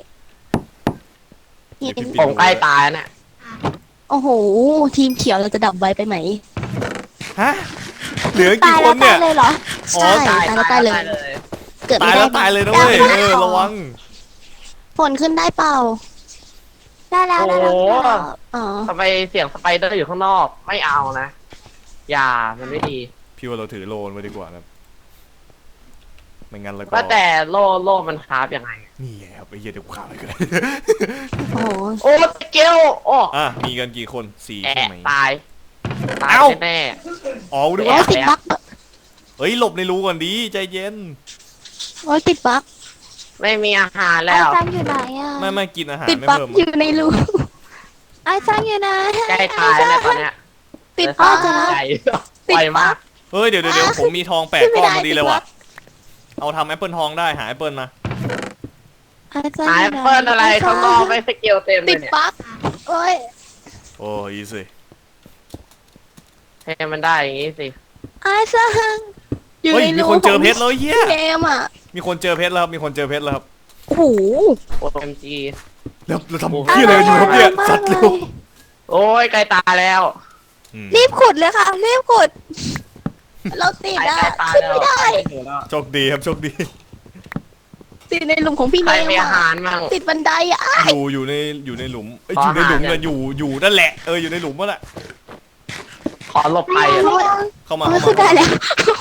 Speaker 4: นี่
Speaker 3: เดี๋ยวพี่
Speaker 6: ผมใกล้ตายน่ะ
Speaker 4: โอ้โห ทีมเขียวเราจะดับไว้ไปไหม
Speaker 3: ฮะเหลือ
Speaker 2: ตา
Speaker 3: กี่
Speaker 2: ย
Speaker 3: ค
Speaker 2: แล้ว
Speaker 3: นเนี่ย
Speaker 2: ตายเลยเหรอ
Speaker 3: อ๋อ
Speaker 4: ใช่ตายแล้วตายเลย เกิด
Speaker 3: ตา
Speaker 4: ไม่
Speaker 3: ย
Speaker 4: ได้
Speaker 3: แล้วตายเลยนะเว้ย
Speaker 2: ได้
Speaker 3: ระวัง
Speaker 4: ฝนขึ้นได้เปล่า
Speaker 2: ได้แล้วได้แล้วได้แล้ว
Speaker 4: อ๋อ
Speaker 6: ทำไมเสียงสไปเดอร์อยู่ข้างนอกไม่เอานะ อย่ามันไม่ดี
Speaker 3: พี่ว่าเราถือโลนไว้ดีกว่านะไม่งั้นแล้วก็
Speaker 6: ว่าแต่โล่มันคราฟยังไง
Speaker 3: นี่ไงครับไอ้เหี้ยเดี๋ยวกูข่าวอะไรกัน
Speaker 4: โอ้โห
Speaker 6: โอ้สเกลโอ้
Speaker 3: อ่ะมีกันกี่คนสี่
Speaker 6: แอะ
Speaker 3: ใช่ไหม
Speaker 6: ตายตาย
Speaker 3: เอ้า
Speaker 6: แน่
Speaker 3: อ๋อดู
Speaker 4: โอ้
Speaker 3: ว่าย
Speaker 4: ติดบั๊ก
Speaker 3: เฮ้ยหลบในรูก่อนดีใจเย็น
Speaker 4: โอ้ยติดบั๊ก
Speaker 6: ๆไม่มีอาหาร
Speaker 2: ไอ้
Speaker 6: แล้ว
Speaker 2: ซังอยู่ไหนอ่ะ
Speaker 3: ไม่กินอาหาร
Speaker 4: ติด
Speaker 3: ไม่
Speaker 4: บั๊ก
Speaker 3: เพิ่ม
Speaker 4: อยู่ในรู
Speaker 2: ไอ้ซังอยู่ไหน
Speaker 6: ใกล้ตายแล้วตอนเนี้ย
Speaker 4: ติด
Speaker 6: เหลื
Speaker 4: บั๊
Speaker 6: อก
Speaker 4: นะ
Speaker 6: ใจ
Speaker 4: ติด
Speaker 6: ไวมาก
Speaker 3: เฮ้ยเดี๋ยวผมมีทอง8
Speaker 4: ขึ้นไม่
Speaker 3: ก้อน
Speaker 4: ได้
Speaker 3: พอดีเลยว่ะ
Speaker 4: ติดบั๊ก
Speaker 3: เอาทำแอปเปิลทองได้หาแอปเปิลมา
Speaker 2: ไอ้ซัง
Speaker 6: หา
Speaker 2: อ
Speaker 6: แอยู่ ป
Speaker 2: ไหน
Speaker 6: เปิลอะไรข้างนอกไม่สเกลเต็มเล
Speaker 4: ติ
Speaker 6: ย
Speaker 4: ด
Speaker 6: เนี่ย
Speaker 4: บั๊ก
Speaker 2: โอ้ย
Speaker 3: โอ้ยสิ
Speaker 6: ให้มันได้อย่างงี้สิ
Speaker 2: ไอ้ซัง
Speaker 4: อยู่
Speaker 3: เฮ้ย
Speaker 4: ใน
Speaker 3: มี
Speaker 4: รู
Speaker 3: คนเจอเพชรแล้วเหี้ย
Speaker 4: เกมอ่ะ
Speaker 3: มีคนเจอเพชรแล้วครับมีคนเจอเพชรแล้วครับ
Speaker 4: โอ้โห
Speaker 6: OMG
Speaker 3: แล้วเราทำเหี้ยอะไรกันอยู่ครับเนี่ยสัตว์เร็ว
Speaker 6: โอ้ยใกล้ตายแล้ว
Speaker 3: อืม
Speaker 2: รีบขุดเลยค่ะรีบขุด
Speaker 4: เราติด
Speaker 6: ใกล้
Speaker 4: อ่ะ
Speaker 6: ตาย
Speaker 4: ขึ้น
Speaker 6: แล้ว
Speaker 4: ไม่ได้
Speaker 3: โชคดีครับโชคดี
Speaker 4: ติดในหลุมของพี่
Speaker 6: ใคร
Speaker 4: เนม
Speaker 6: มีอา
Speaker 4: อ่ะ
Speaker 6: หารมั่ง
Speaker 4: ติดบันไดอ่ะ
Speaker 3: อยู่ในหลุมเอ้ยอยู่ในหลุมนะอยู่นั่นแหละอยู่ในหลุมนั่นแหละ
Speaker 6: ขอหลบไปอะ
Speaker 3: เข้ามา
Speaker 4: โอ้ย
Speaker 3: เข้า
Speaker 4: ขึ้นได้
Speaker 3: มา
Speaker 4: แล้ว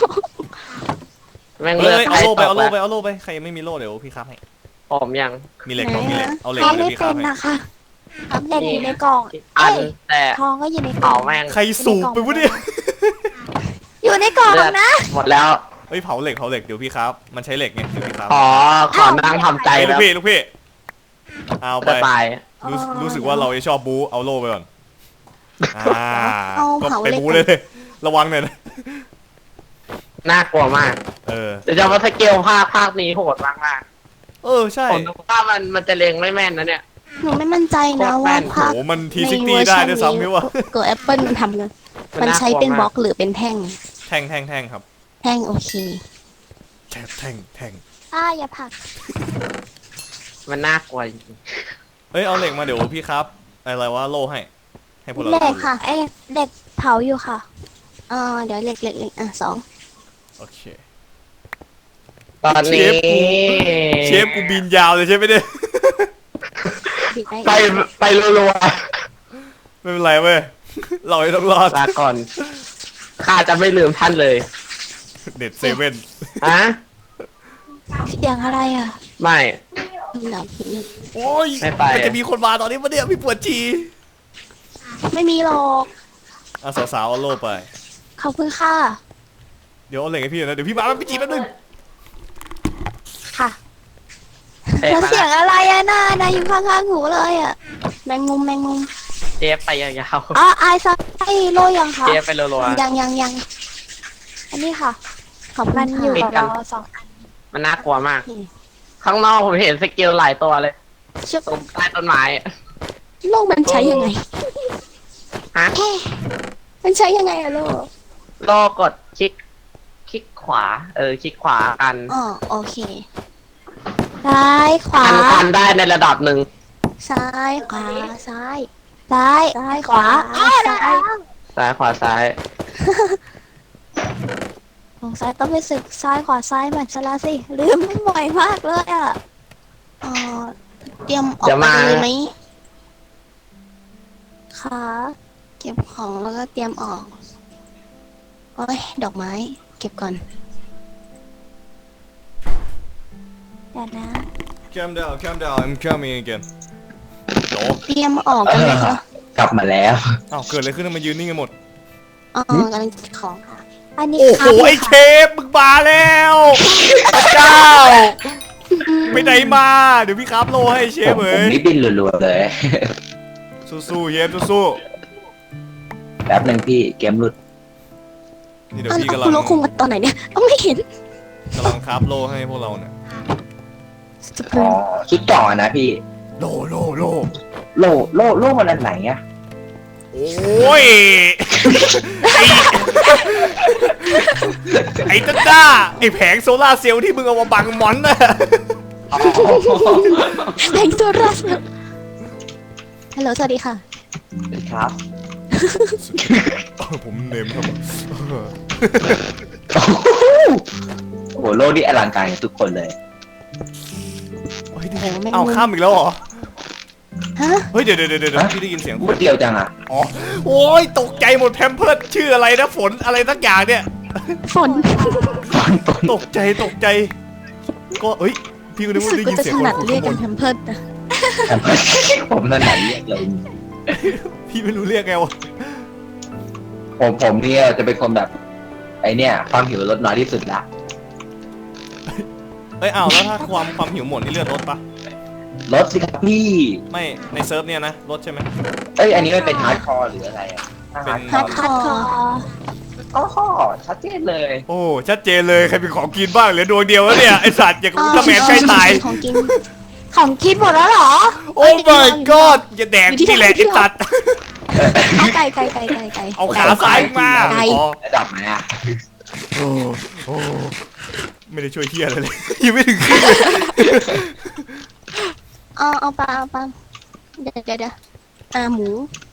Speaker 6: แม่ง
Speaker 3: เฮ้
Speaker 6: เลือด
Speaker 3: ยเอาโล่ไป
Speaker 6: ตก
Speaker 3: เอาโล่ไป
Speaker 6: แล้ว
Speaker 3: เอาโล่ไปใครยังไม่มีโล่เดี๋ยวพี่ครับให้
Speaker 6: ผมยัง
Speaker 3: มีเหล็กต้องมีเหล็กเอาเหล็ก
Speaker 2: ทอง
Speaker 3: เดี๋ย
Speaker 2: ไม่
Speaker 3: วพี่ค
Speaker 2: เป็
Speaker 3: รับ
Speaker 2: น
Speaker 3: ให้
Speaker 2: นะคะเด็กอยู่ในกล่อง
Speaker 6: อัน
Speaker 2: เอ้ย
Speaker 6: แต่
Speaker 2: ทองก็อยู่ในกล่
Speaker 6: เผา
Speaker 2: อง
Speaker 6: แม่ง
Speaker 3: ใครสูบไปวะเนี่ย
Speaker 2: อยู่ในกล่อง
Speaker 6: เลือด
Speaker 2: นะ
Speaker 6: หมดแล้ว
Speaker 3: เฮ้ยเผาเหล็กเดี๋ยวพี่ครับมันใช้เหล็กไงเดี๋ยวพี่ครับ
Speaker 6: ขอนั่งทำใจ
Speaker 3: ไอ้ลู
Speaker 6: แล้
Speaker 3: ก
Speaker 6: ว
Speaker 3: พี่เอาไป
Speaker 6: จะตาย
Speaker 3: รู้สึกว่าเราจะชอบบู๊เอาโล่ไปก่อนก็
Speaker 4: เผา
Speaker 3: ไป
Speaker 4: เหล็ก
Speaker 3: บู๊เลยระวังหน่อยนะ
Speaker 6: น่ากลัวมาก
Speaker 3: เออ
Speaker 6: เดี๋ยวจะมาสเกลภาคนี้โหดมากมาก
Speaker 3: ใช่
Speaker 6: ผมดูว่ามันจะเล็งไม่แม่นนะเนี่ย
Speaker 4: หนูไม่มั่นใจนะ
Speaker 6: โคตรแม่
Speaker 4: ว่าน ภาค
Speaker 3: โหมันทีซิกตี้ได้ด้วยซ้ำพี่ว่า
Speaker 4: เกิดแอปเปิลมันทำกันมันใช้เป็นบล็อกหรือเป็นแท่ง
Speaker 3: แท่งครับ
Speaker 4: แท่งโอเค
Speaker 3: แท่ง
Speaker 2: อย่าผลัก
Speaker 6: มันน่ากลัวจริง
Speaker 3: เอ้ยเอาเหล็กมาเดี๋ยวพี่ครับอะไรวะโล่ให้พวกเรา
Speaker 2: เหล็ก
Speaker 3: ดู
Speaker 2: ค่ะไอ้เด็กเผาอยู่ค่ะ
Speaker 4: เดี๋ยวเหล็กอ่ะ2
Speaker 3: โอเค
Speaker 6: ตอนนี้
Speaker 3: เชฟกูบินยาวเลยใช่ไหมเนี่ย
Speaker 4: ปิดได้
Speaker 6: ไปรัว
Speaker 3: ไม่เป็นไรเว้ยเราไม่ต้องรอด
Speaker 6: ๆลาก่อนข้าจะไม่ลืมท่านเลย
Speaker 3: เด็ดเซเว่น
Speaker 6: ฮะ
Speaker 2: เสียงอะไรอ่ะ
Speaker 6: ไม่
Speaker 4: หนัก
Speaker 3: โอ้ย
Speaker 6: ไม่ไป
Speaker 3: มันจะมีคนมาตอนนี้ปะเนี่ยพี่ปวดจี
Speaker 4: ไม่มีหรอก
Speaker 3: สาวๆเอาโล่ไป
Speaker 2: ขอบคุณค่ะ
Speaker 3: เดี๋ยวเอาเหล็กให้พี่หน่อยนะเดี๋ยวพี่มาพี่จีแป๊บนึง
Speaker 2: ค่ะ
Speaker 6: เอ๊ะ
Speaker 2: แล้ว
Speaker 6: มา
Speaker 2: เสียงอะไรอ่ะนายอยู่ข้างๆหูเลยอ่ะ
Speaker 4: แมงมุม
Speaker 6: เจฟไปยาว
Speaker 2: อ๋อไอ้ซังไอ้โลยังคะ
Speaker 6: ๆเจฟไปรัว
Speaker 4: ยัง
Speaker 2: อันนี้ค่ะ
Speaker 4: ขอบคุ
Speaker 2: มั
Speaker 4: ณ
Speaker 2: นอยู่
Speaker 4: ค่ะ
Speaker 2: กับเราสองอัน
Speaker 6: ๆมันน่ากลัวมาก ข้างนอกผมเห็นสเกลหลายตัวเลย
Speaker 4: เชือก
Speaker 6: ตรงใต้ต้นไม้
Speaker 4: โลกมันใช้ยังไง
Speaker 6: ฮะ
Speaker 4: มันใช้ยังไงอะโลก
Speaker 6: โลกดคลิกขวา คลิกขวากัน
Speaker 4: อ๋อโอเค
Speaker 2: ซ้ายขวา
Speaker 6: กันได้ในระดับหนึ่ง
Speaker 4: ซ้ายขวาซ้าย
Speaker 2: ซ้าย
Speaker 4: ซ้าย
Speaker 2: ขวา
Speaker 4: ขวา
Speaker 2: ซ้าย
Speaker 6: ซ้ายขวาซ้าย
Speaker 2: สงสัยต้องไปศึกซ้ายขวาซ้ายมันซะแล้วสิลืมบ่อยมากเลยอ่ะ
Speaker 4: เอ่อเตรียมออก
Speaker 6: เดี๋ยว
Speaker 4: ไป
Speaker 6: มา
Speaker 4: เลยไหม
Speaker 2: ขา
Speaker 4: เก็บของแล้วก็เตรียมออกโอ้ยดอกไม้ เก็บก่อน
Speaker 2: เดี๋ยวนะ
Speaker 3: calm down I'm coming again โห
Speaker 4: เตรียมออกกันเลยค่ะ
Speaker 5: กลับมาแล้ว
Speaker 3: อ้าวเกิดอะไรขึ้นทำไมยืนนิ่งกันหมด
Speaker 4: กำลังเก็บของค่ะ
Speaker 2: อันนี้
Speaker 3: โอ้โห
Speaker 2: ครับ
Speaker 3: ไอ้เชฟมึงมาแล้วพระเจ้าไปไหนมาเดี๋ยวพี่ครับโลให้เชฟ
Speaker 5: ผม
Speaker 3: เอ้ย
Speaker 5: นี่บินรัวๆเลย
Speaker 3: สู้ๆเชฟสู้
Speaker 5: แป๊บหนึ่งพี่เกมหลุด
Speaker 3: นี่เดี๋ยว
Speaker 4: เอา
Speaker 3: พี่กำลั
Speaker 4: คุณ
Speaker 3: ง
Speaker 4: โลคุงมาตอนไหนเนี่ยเอาไม่เห็น
Speaker 3: กำลังคราฟโลให้พวกเราเนี่ย
Speaker 4: สปริ
Speaker 5: อ๋อง ชุดเก่อนะพี่
Speaker 3: โล
Speaker 5: โลมันอันไหนอะ
Speaker 3: โอ้ย ไอ้ต้นด้าไอ้แผงโซล่าร์เซลล์ที่มึงเอามาบังมอนน่ะ
Speaker 4: แสงโซลาร์เซลล์ฮัลโหลสวัสดีค่ะ
Speaker 5: ครับ
Speaker 3: ผมเนมครับ
Speaker 5: โอ้โหโลนี่อลังการกับทุกคนเลย
Speaker 3: เฮ้ย
Speaker 4: โอ้โหแม่ง
Speaker 3: เอาข้ามอีกแล้วเหรอ
Speaker 4: ฮะ
Speaker 3: เฮ้ยเดี๋ยวพี่ได้ยินเสียง
Speaker 5: พูดเดียวจังอะ
Speaker 3: อ๋อโอ้ยตกใจหมดแพมเพิร์ดชื่ออะไรนะฝนอะไรสักอย่างเนี่ย
Speaker 4: ฝน
Speaker 3: ตกใจก็เอ้ยพี่ก็นึก
Speaker 4: รู้
Speaker 3: ว่า
Speaker 4: สึก
Speaker 3: ได้
Speaker 4: ว่า
Speaker 3: ยิน
Speaker 4: จะ
Speaker 3: เสีย
Speaker 4: ถ
Speaker 3: ง
Speaker 4: นัด
Speaker 3: คน
Speaker 4: เรียก
Speaker 3: ข้างบ
Speaker 4: กัน
Speaker 3: น
Speaker 4: แพมเพิร์ดนะ
Speaker 5: ผมนั่นไหนเรียกเลย
Speaker 3: พี่ไม่รู้เรียกไงวะ
Speaker 5: ผมเนี่ยจะเป็นคนแบบ ไอเนี่ยความหิวลดน้อยที่สุดละ
Speaker 3: เอ้ยอ้าวแล้วถ้าความหิวหมดนี่เลือดลดปะ
Speaker 5: ลดสิครับพี่
Speaker 3: ไม่ในเซิร์ฟเนี่ยนะลดใช่ไหม
Speaker 5: เอ้ยอันนี้มันเป็นฮาร์ดคอร์หรืออะไรอะถ้าฮาร์ดค
Speaker 4: ฮา
Speaker 5: อ
Speaker 4: ร์ด
Speaker 5: ร์
Speaker 4: คอร์
Speaker 5: ก็ชัดเจนเลย
Speaker 3: โอ้ชัดเจนเลยใครเป็นของกินบ้างเหลือดวงเดียวแล้วเนี่ยไอสัตว์อย่างอุลตร้าแมนใกล้ตาย
Speaker 4: ของกิน
Speaker 2: ของกินหมดแล้วเหรอ
Speaker 3: โอ้ my god อย่าแดกนี่แหละไอสัตว์
Speaker 4: เอาไก่
Speaker 3: เอาขาซ้ายมา
Speaker 4: ไก่
Speaker 3: อ๋อ
Speaker 5: ระดับไหนอะ
Speaker 3: โอ้ไม่ได้ช่วยเฮียอะไรเลยยังไม่ถึงครึ่งเลย
Speaker 4: เอาปลาเดี๋ยวหมู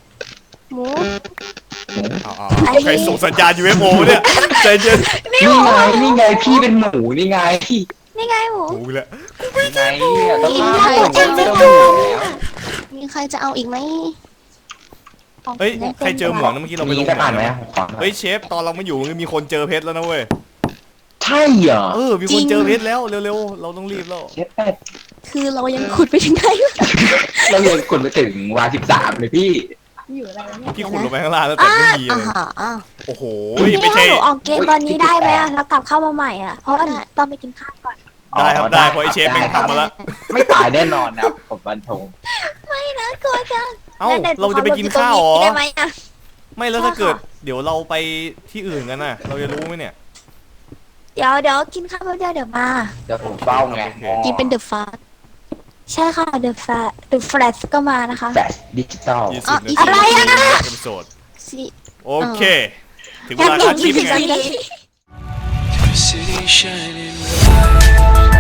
Speaker 3: เอาใครส่งสัญญาณ UFO เนี่ยใจเย็น
Speaker 5: นี่ไงพี่เป็นหมูนี่ไง
Speaker 2: นี่ไงหมู
Speaker 3: โอ้ยแล้ว
Speaker 5: นี่ไงเนี่ยต้อง
Speaker 4: กิน
Speaker 5: ฆ่า
Speaker 4: ไก่
Speaker 5: ผมไม่ต้องหมูแล้ว
Speaker 4: มีใครจะเอาอีกไหม
Speaker 3: เฮ้ยใครเจอหมอนนะเมื่อกี้เราไป
Speaker 5: มี
Speaker 3: ลง
Speaker 5: สัก
Speaker 3: หม
Speaker 5: อั
Speaker 3: อน น
Speaker 5: ไหม
Speaker 3: นะ
Speaker 5: ขอหน่อย
Speaker 3: เฮ้ยเชฟตอนเราไม่อยู่มันมีคนเจอเพชรแล้วนะเว้ย
Speaker 5: ใช่เหรอ
Speaker 3: มีคนเจอเพชรแล้วเร็วๆเราต้องรีบแล้ว
Speaker 5: เชฟเป็ด
Speaker 4: คือเรายังขุดไปถึงไหนวะ
Speaker 5: เรายังขุดไปถึงวา13เลยพี่
Speaker 3: พี่ขุดลงไปข้างล่างแล้วแต่ไม่มีเลย
Speaker 4: อ่า
Speaker 3: โอ้โห
Speaker 2: พี่
Speaker 3: ไม่
Speaker 2: ให้
Speaker 3: ใช่
Speaker 2: หนูออกเกมตอนนี้ได้ไหมอะแล้วกลับเข้ามาใหม่อะเพราะว่าต้องไปกินข้าวก่อน
Speaker 3: ได้ครับได้เพราะไอเชฟแม่งทำมาแล้ว
Speaker 5: ไม่ตายแน่นอนนะครับผมบันทง
Speaker 2: นะกลัวจัง
Speaker 3: เอ้าเราจะไปกินข้าวเหรอ
Speaker 2: ได้ไหมอะ
Speaker 3: ไม่แล้วถ้าเกิดเดี๋ยวเราไปที่อื่นกันน่ะ เราจะรู้ไหมเนี่ย
Speaker 2: เดี๋ยวกินข้าวแป๊บเดียวเดี๋ยวมา
Speaker 5: เดี๋ยวผมเฝ้าไง
Speaker 4: กินเป็นเดอะฟาส
Speaker 2: ใช่ค่ะ The Flash ก็มานะคะ
Speaker 5: แฟลชดิจิตอล
Speaker 3: 20 นาที
Speaker 2: อะไรอะ
Speaker 3: เอพิโซด
Speaker 4: สิ
Speaker 3: โอเค ถึงเวลาท้าชิม
Speaker 2: 20
Speaker 3: ไง
Speaker 2: นาที
Speaker 1: City shining bright.